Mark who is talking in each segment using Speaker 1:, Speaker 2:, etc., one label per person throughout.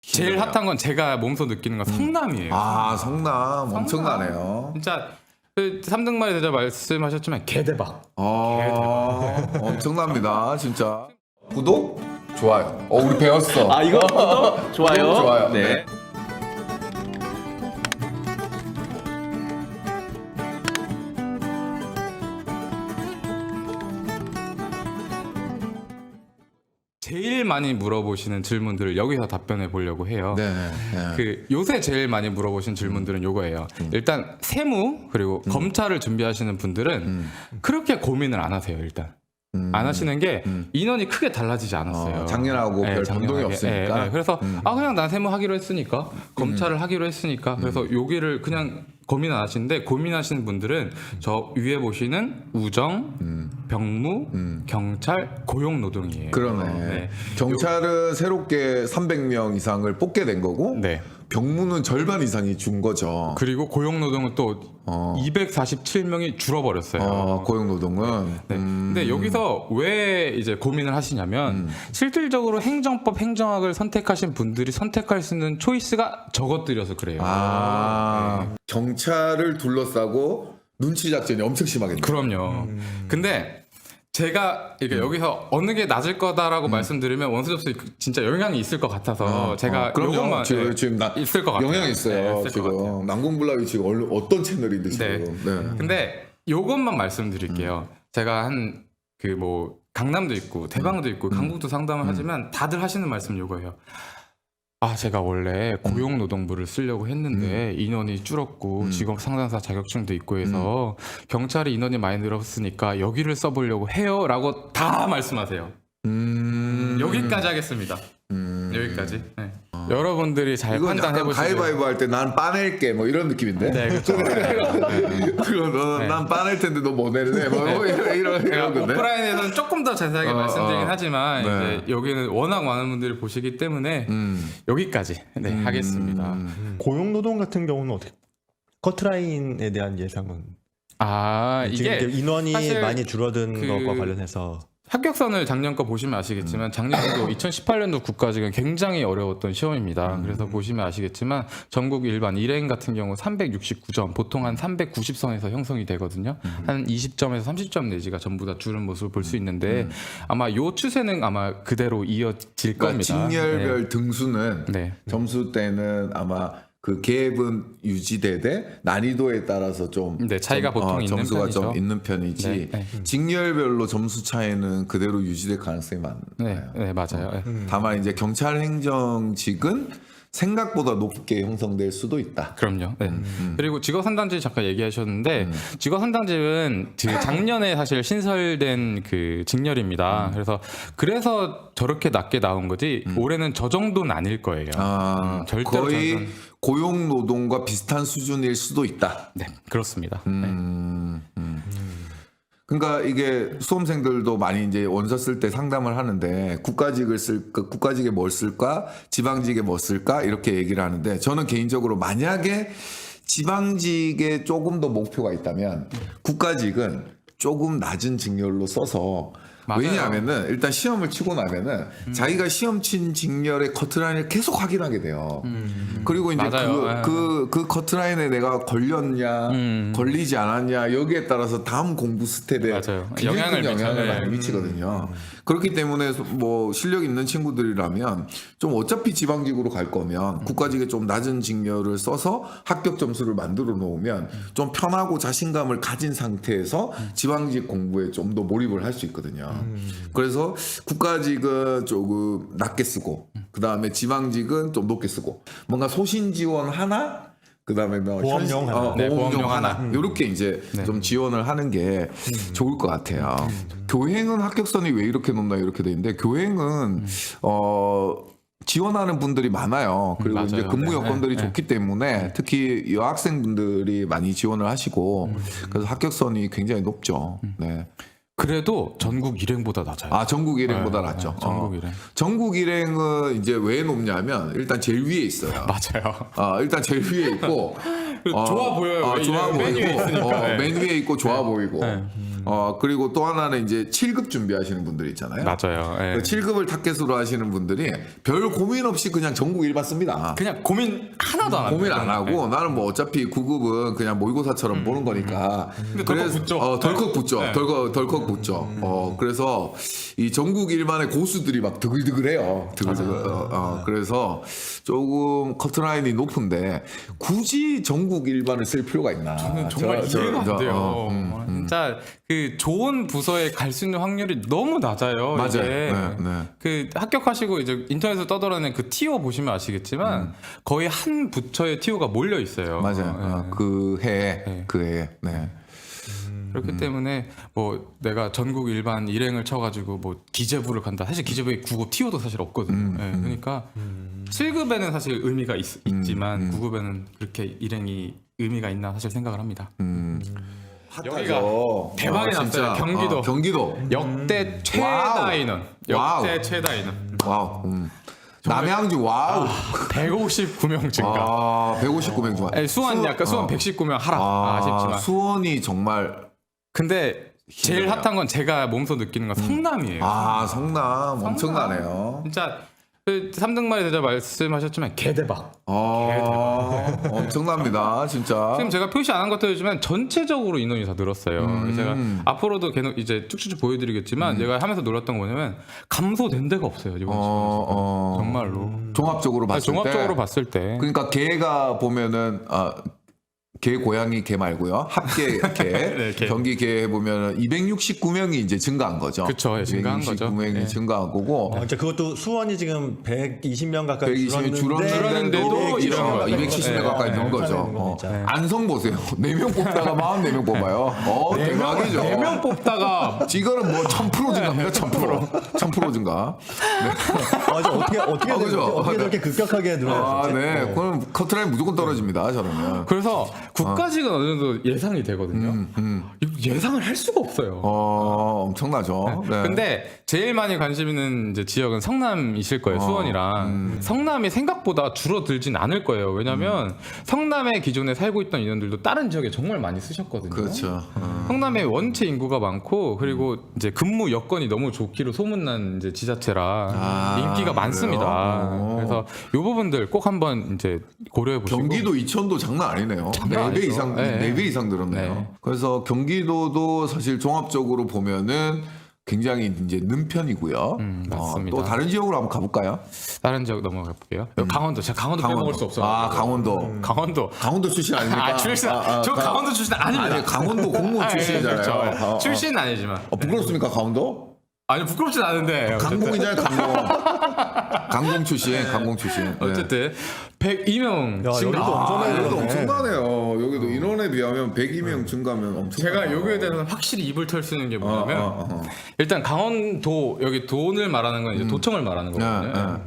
Speaker 1: 제일 핫한 건 제가 몸소 느끼는 건 성남이에요.
Speaker 2: 아, 성남 엄청나네요.
Speaker 1: 진짜 그 3등만에 대자 말씀하셨지만 개대박.
Speaker 2: 엄청납니다, 진짜. 구독, 좋아요. 우리 배웠어.
Speaker 3: 아 이거 구독, 좋아요.
Speaker 2: 구독, 좋아요.
Speaker 3: 네.
Speaker 1: 제일 많이 물어보시는 질문들을 여기서 답변해 보려고 해요.
Speaker 2: 네.
Speaker 1: 그 요새 제일 많이 물어보신 질문들은 요거예요. 일단 세무 그리고 검찰을 준비하시는 분들은 그렇게 고민을 안 하세요. 일단 안 하시는 게 인원이 크게 달라지지 않았어요.
Speaker 2: 작년하고 별 변동이 없으니까.
Speaker 1: 그래서 그냥 난 세무 하기로 했으니까 검찰을 하기로 했으니까 그래서 여기를 그냥 고민 안 하시는데 고민하시는 분들은 저 위에 보시는 우정, 병무, 경찰, 고용노동이에요.
Speaker 2: 그러네.
Speaker 1: 네.
Speaker 2: 경찰은 새롭게 300명 이상을 뽑게 된 거고,
Speaker 1: 네.
Speaker 2: 병무는 절반 이상이 준 거죠.
Speaker 1: 그리고 고용노동은 또 247명이 줄어버렸어요.
Speaker 2: 고용노동은.
Speaker 1: 네. 근데 여기서 왜 이제 고민을 하시냐면 실질적으로 행정법, 행정학을 선택하신 분들이 선택할 수 있는 초이스가 적어뜨려서 그래요.
Speaker 2: 경찰을 둘러싸고 눈치 작전이 엄청 심하겠네요.
Speaker 1: 그럼요. 근데 제가 이게 여기서 어느 게 낮을 거다라고 말씀드리면 원수 접수 진짜 영향이 있을 것 같아서 제가
Speaker 2: 그럼요.
Speaker 1: 요것만
Speaker 2: 지금
Speaker 1: 있을 것 같아요.
Speaker 2: 영향이 있어요.
Speaker 1: 네, 있을 것 같아요.
Speaker 2: 지금 난공불락이 지금 어떤 채널인데 지금. 네.
Speaker 1: 근데 요것만 말씀드릴게요. 제가 한 그 뭐 강남도 있고 대방도 있고 강북도 상담을 하지만 다들 하시는 말씀 요거예요. 제가 원래 고용노동부를 쓰려고 했는데 인원이 줄었고 직업 상담사 자격증도 있고 해서 경찰이 인원이 많이 늘었으니까 여기를 써보려고 해요 라고 다 말씀하세요. 여기까지 하겠습니다. 여기까지. 네. 여러분들이 잘
Speaker 2: 이건
Speaker 1: 판단해
Speaker 2: 약간
Speaker 1: 보시죠.
Speaker 2: 가위바위보 할 때 난 빠낼게 뭐 이런 느낌인데.
Speaker 1: 네, 그렇죠.
Speaker 2: 그거 난 빠낼 텐데 너 뭐 낼래? 뭐 이런 건데.
Speaker 1: 오프라인에서는 조금 더 자세하게 말씀드리긴 하지만
Speaker 2: 네.
Speaker 1: 이제 여기는 워낙 많은 분들이 보시기 때문에 여기까지 하겠습니다.
Speaker 4: 고용노동 같은 경우는 어떻게 커트라인에 대한 예상은 지금
Speaker 1: 이게
Speaker 4: 이제 인원이
Speaker 1: 사실
Speaker 4: 많이 줄어든
Speaker 1: 그
Speaker 4: 것과 관련해서
Speaker 1: 합격선을 작년 거 보시면 아시겠지만 작년도 2018년도 국가직은 굉장히 어려웠던 시험입니다. 그래서 보시면 아시겠지만 전국 일반 일행 같은 경우 369점, 보통 한 390선에서 형성이 되거든요. 한 20점에서 30점 내지가 전부 다 줄은 모습을 볼 수 있는데 아마 요 추세는 아마 그대로 이어질
Speaker 2: 그러니까
Speaker 1: 겁니다.
Speaker 2: 직렬별 등수는
Speaker 1: 네.
Speaker 2: 점수 때는 아마 그 갭은 유지되되 난이도에 따라서 좀
Speaker 1: 차이가 보통 있는
Speaker 2: 점수가
Speaker 1: 편이죠.
Speaker 2: 좀 있는 편이지
Speaker 1: 네.
Speaker 2: 직렬별로 점수 차이는 그대로 유지될 가능성이 많아요.
Speaker 1: 네, 맞아요.
Speaker 2: 다만 이제 경찰 행정직은 생각보다 높게 형성될 수도 있다.
Speaker 1: 그럼요. 네. 그리고 직업상담직 잠깐 얘기하셨는데 직업상담직은 작년에 사실 신설된 그 직렬입니다. 그래서 저렇게 낮게 나온 거지 올해는 저 정도는 아닐 거예요. 절대로
Speaker 2: 거의
Speaker 1: 저는-
Speaker 2: 고용노동과 비슷한 수준일 수도 있다.
Speaker 1: 네, 그렇습니다.
Speaker 2: 그러니까 이게 수험생들도 많이 이제 원서 쓸 때 상담을 하는데 국가직을 쓸까, 국가직에 뭘 쓸까, 지방직에 뭐 쓸까 이렇게 얘기를 하는데 저는 개인적으로 만약에 지방직에 조금 더 목표가 있다면 국가직은 조금 낮은 직렬로 써서
Speaker 1: 맞아요.
Speaker 2: 왜냐하면은 일단 시험을 치고 나면은 자기가 시험 친 직렬의 커트라인을 계속 확인하게 돼요. 그리고 이제
Speaker 1: 맞아요.
Speaker 2: 그 커트라인에 내가 걸렸냐, 걸리지 않았냐 여기에 따라서 다음 공부 스텝에
Speaker 1: 맞아요.
Speaker 2: 굉장히 큰 영향을
Speaker 1: 미쳐요.
Speaker 2: 많이 미치거든요. 그렇기 때문에 뭐 실력 있는 친구들이라면 좀 어차피 지방직으로 갈 거면 국가직에 좀 낮은 직렬을 써서 합격 점수를 만들어 놓으면 좀 편하고 자신감을 가진 상태에서 지방직 공부에 좀 더 몰입을 할 수 있거든요. 그래서 국가직은 조금 낮게 쓰고 그 다음에 지방직은 좀 높게 쓰고 뭔가 소신 지원 하나 그 다음에 뭐
Speaker 4: 보험용 하나.
Speaker 1: 네,
Speaker 2: 보험용
Speaker 1: 보험용
Speaker 2: 하나 이렇게 이제 좀 지원을 하는 게 좋을 것 같아요. 교행은 합격선이 왜 이렇게 높나 이렇게 돼 있는데 교행은 지원하는 분들이 많아요. 그리고
Speaker 1: 맞아요.
Speaker 2: 이제 근무
Speaker 1: 네,
Speaker 2: 여건들이
Speaker 1: 네,
Speaker 2: 좋기 때문에 특히 여학생분들이 많이 지원을 하시고 그래서 합격선이 굉장히 높죠. 네.
Speaker 1: 그래도 전국 일행보다 낮아요.
Speaker 2: 전국 일행보다 낫죠.
Speaker 1: 전국 일행.
Speaker 2: 전국 일행은 이제 왜 높냐면 일단 제일 위에 있어요.
Speaker 1: 맞아요.
Speaker 2: 일단 제일 위에 있고
Speaker 1: 좋아 보여요.
Speaker 2: 좋아
Speaker 1: 메뉴에
Speaker 2: 보이고
Speaker 1: 있으니까.
Speaker 2: 맨 위에 있고 좋아 보이고 그리고 또 하나는 이제 7급 준비하시는 분들이 있잖아요.
Speaker 1: 맞아요. 예.
Speaker 2: 그 7급을 타겟으로 하시는 분들이 별 고민 없이 그냥 전국 일반 씁니다.
Speaker 1: 그냥 고민 하나도 안
Speaker 2: 고민
Speaker 1: 합니다.
Speaker 2: 안 하고 나는 뭐 어차피 9급은 그냥 모의고사처럼 보는 거니까.
Speaker 1: 근데 덜컥 붙죠.
Speaker 2: 덜컥 붙죠.
Speaker 1: 네.
Speaker 2: 덜컥 붙죠. 그래서 이 전국 일반의 고수들이 막 드글드글해요. 그래서 조금 커트라인이 높은데 굳이 전국 일반을 쓸 필요가 있나?
Speaker 1: 저는 정말 이해가 안 돼요. 진짜 그 좋은 부서에 갈 수 있는 확률이 너무 낮아요.
Speaker 2: 맞아요.
Speaker 1: 이게.
Speaker 2: 네.
Speaker 1: 그 합격하시고 이제 인터넷에서 떠돌아다니는 그 티오 보시면 아시겠지만 거의 한 부처에 티오가 몰려 있어요.
Speaker 2: 맞아요. 그 해에. 네.
Speaker 1: 그렇기 때문에 뭐 내가 전국 일반 일행을 쳐가지고 뭐 기재부를 간다. 사실 기재부에 9급 티오도 사실 없거든요. 그러니까 7급에는 사실 의미가 있지만 9급에는 그렇게 일행이 의미가 있나 사실 생각을 합니다. 여기가 대박이 났어요. 경기도.
Speaker 2: 경기도.
Speaker 1: 역대 최다 인원.
Speaker 2: 와우.
Speaker 1: 역대 최다 인원.
Speaker 2: 와우. 남양주 와우.
Speaker 1: 159명 증가.
Speaker 2: 159명 좋아.
Speaker 1: 수원 약간 수원 119명 하락. 아쉽지만.
Speaker 2: 수원이 정말
Speaker 1: 근데 제일 핫한 건 제가 몸소 느끼는 건 성남이에요.
Speaker 2: 성남 엄청나네요.
Speaker 1: 진짜 3등만에 대자 말씀하셨지만 개대박.
Speaker 2: 엄청납니다, 진짜.
Speaker 1: 지금 제가 표시 안 한 것들이지만 전체적으로 인원이 다 늘었어요. 제가 앞으로도 계속 이제 쭉쭉 보여드리겠지만 제가 하면서 놀랐던 거 뭐냐면 감소된 데가 없어요 이번 시즌 정말로.
Speaker 2: 종합적으로 봤을
Speaker 1: 종합적으로 봤을 때.
Speaker 2: 그러니까 개가 보면은 개 고양이 개 말고요. 합계 개.
Speaker 1: 네, 개.
Speaker 2: 경기 개 보면은 269명이 이제 증가한 거죠.
Speaker 1: 그쵸, 예, 증가한 거죠.
Speaker 2: 269명이
Speaker 1: 네.
Speaker 2: 증가한 거고.
Speaker 4: 진짜 그것도 수원이 지금 120명 가까이
Speaker 2: 120명
Speaker 1: 줄었는데도
Speaker 2: 270명 가까이 는 거죠. 안성 보세요. 4명 뽑다가 44명 뽑아요. 대박이죠.
Speaker 1: 4명 뽑다가
Speaker 2: 이거는 뭐 1000% 증가입니다. 1000% 증가.
Speaker 4: 어떻게 저렇게 급격하게 늘어났지?
Speaker 2: 네. 그럼 커트라인 무조건 떨어집니다. 저러면.
Speaker 1: 그래서 국가직은 어느 정도 예상이 되거든요. 예상을 할 수가 없어요.
Speaker 2: 엄청나죠. 네.
Speaker 1: 근데 제일 많이 관심 있는 이제 지역은 성남이실 거예요. 수원이랑. 성남이 생각보다 줄어들진 않을 거예요. 왜냐면 성남에 기존에 살고 있던 인원들도 다른 지역에 정말 많이 쓰셨거든요.
Speaker 2: 그렇죠.
Speaker 1: 성남에 원체 인구가 많고 그리고 이제 근무 여건이 너무 좋기로 소문난 이제 지자체라 인기가 많습니다. 그래서 이 부분들 꼭 한번 이제 고려해 보시고.
Speaker 2: 경기도 이천도 장난 아니네요. 4배 이상,
Speaker 1: 네.
Speaker 2: 4배 이상 늘었네요.
Speaker 1: 네.
Speaker 2: 그래서 경기도도 사실 종합적으로 보면은 굉장히 이제 는 편이고요.
Speaker 1: 맞습니다.
Speaker 2: 또 다른 지역으로 한번 가볼까요?
Speaker 1: 다른 지역 넘어가 볼게요. 강원도. 제가 강원도 빼먹을 수 없어요.
Speaker 2: 강원도.
Speaker 1: 강원도
Speaker 2: 출신 아닙니까?
Speaker 1: 출신. 저 강원도 출신 아닙니다.
Speaker 2: 아니, 강원도 공무원 출신이잖아요.
Speaker 1: 그렇죠. 출신은 아니지만.
Speaker 2: 부끄럽습니까, 강원도?
Speaker 1: 아니 부끄럽진 않은데.
Speaker 2: 강공이잖아요, 강공 출신. 네.
Speaker 1: 어쨌든 102명
Speaker 4: 야,
Speaker 1: 증가.
Speaker 4: 여기도 엄청나게
Speaker 2: 여기도 엄청나네요. 여기도 인원에 비하면 102명 증가면 엄청.
Speaker 1: 제가 여기에 대해서는 확실히 입을 털 수 있는 게 뭐냐면 일단 강원도 여기 돈을 말하는 건 이제 도청을 말하는 거거든요.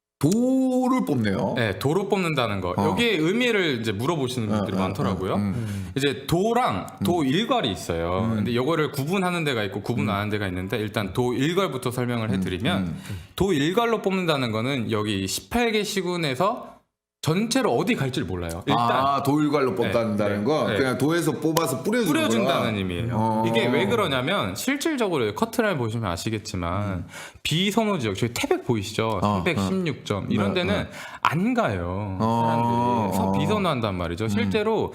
Speaker 2: 도를 뽑네요.
Speaker 1: 네, 도로 뽑는다는 거. 여기에 의미를 이제 물어보시는 분들이 많더라고요. 이제 도랑 도 일괄이 있어요. 근데 이거를 구분하는 데가 있고 구분 안 하는 데가 있는데 일단 도 일괄부터 설명을 해드리면 도 일괄로 뽑는다는 거는 여기 18개 시군에서 전체로 어디 갈지를 몰라요. 일단
Speaker 2: 도일괄로 뽑는다는 건
Speaker 1: 네.
Speaker 2: 그냥 도에서 뽑아서 뿌려준다는
Speaker 1: 의미예요. 이게 왜 그러냐면 실질적으로 커트라인 보시면 아시겠지만 비선호 지역 저희 태백 보이시죠? 316점 이런 데는 안 가요. 사람들이 비선호한단 말이죠. 실제로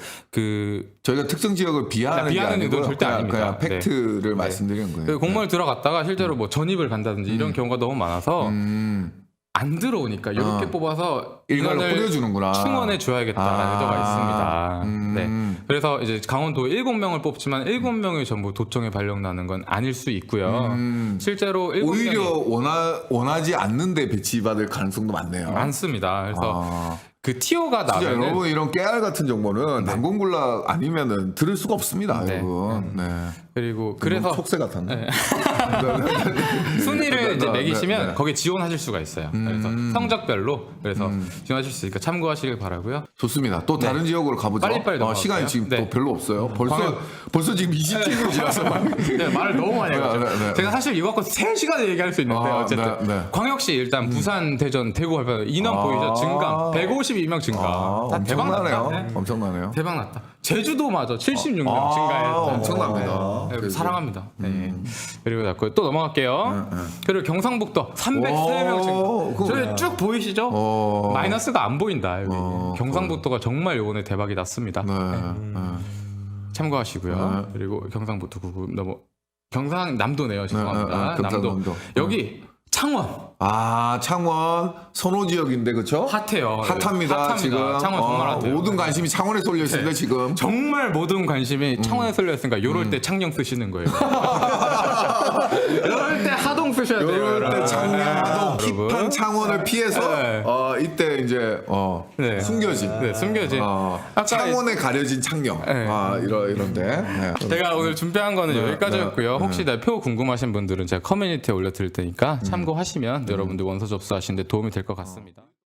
Speaker 2: 저희가 특정 지역을 비하하는 게
Speaker 1: 비하하는
Speaker 2: 아니고
Speaker 1: 의도는 절대 아닙니다.
Speaker 2: 그냥 팩트를 말씀드리는 거예요.
Speaker 1: 그 공무원을 들어갔다가 실제로 뭐 전입을 간다든지 이런 경우가 너무 많아서 안 들어오니까 이렇게 뽑아서
Speaker 2: 일괄로
Speaker 1: 인원을
Speaker 2: 뿌려주는구나.
Speaker 1: 충원해 줘야겠다는 의도가 있습니다. 네. 그래서 이제 강원도 7명을 뽑지만 7명이 전부 도청에 발령나는 건 아닐 수 있고요. 실제로 7명이
Speaker 2: 오히려 원하지 않는데 배치받을 가능성도 많네요.
Speaker 1: 많습니다. 그래서 그 티오가
Speaker 2: 진짜
Speaker 1: 나면은
Speaker 2: 여러분 이런 깨알 같은 정보는 난공불락 아니면은 들을 수가 없습니다,
Speaker 1: 네.
Speaker 2: 여러분. 네.
Speaker 1: 그리고 그래서
Speaker 2: 속세 같았네.
Speaker 1: 순위를 이제 매기시면
Speaker 2: 네.
Speaker 1: 거기에 지원하실 수가 있어요. 그래서 성적별로 그래서 지원하실 수 있으니까 참고하시길 바라고요.
Speaker 2: 좋습니다. 또 다른 지역으로 가보죠.
Speaker 1: 빨리빨리 넘어갈게요.
Speaker 2: 시간이 지금
Speaker 1: 네.
Speaker 2: 또 별로 없어요. 벌써 지금 27분 지났어.
Speaker 1: 네, 말을 너무 많이 해가지고
Speaker 2: 네.
Speaker 1: 제가 사실 이거 갖고 3시간을 얘기할 수 있는데 어쨌든
Speaker 2: 네.
Speaker 1: 광역시 일단 부산, 대전, 대구 발표 인원 보이죠? 증강 152명 증가. 다 대박
Speaker 2: 엄청나네요.
Speaker 1: 났다. 네.
Speaker 2: 엄청나네요.
Speaker 1: 대박 났다. 제주도마저 76명 증가했다.
Speaker 2: 엄청납니다.
Speaker 1: 네. 사랑합니다. 네. 그리고 자꾸 또 넘어갈게요. 그리고 경상북도 303명 증가. 저기 쭉 보이시죠? 마이너스가 안 보인다. 여기. 경상북도가 정말 요번에 대박이 났습니다. 참고하시고요. 그리고 경상북도 경상남도네요. 죄송합니다. 남도. 여기 창원.
Speaker 2: 창원 선호 지역인데 그렇죠?
Speaker 1: 핫해요.
Speaker 2: 핫합니다. 지금
Speaker 1: 창원 정말 핫해요.
Speaker 2: 모든 관심이 창원에 쏠려 있습니다. 지금.
Speaker 1: 정말 모든 관심이 창원에 쏠려 있으니까 이럴 때 창녕 쓰시는 거예요. 이럴 때 하동 쓰셔야 돼요.
Speaker 2: 이럴 때 창녕, 하동,
Speaker 1: 여러분.
Speaker 2: 힙한 창원을 피해서
Speaker 1: 네.
Speaker 2: 이때 이제
Speaker 1: 네.
Speaker 2: 숨겨진.
Speaker 1: 네, 숨겨진. 아까
Speaker 2: 창원에 가려진 창녕.
Speaker 1: 네.
Speaker 2: 이런데. 네.
Speaker 1: 제가 오늘 준비한 거는 여기까지였고요. 혹시 나 표 궁금하신 분들은 제가 커뮤니티에 올려드릴 테니까 참고하시면 여러분들 원서 접수하시는데 도움이 될 것 같습니다.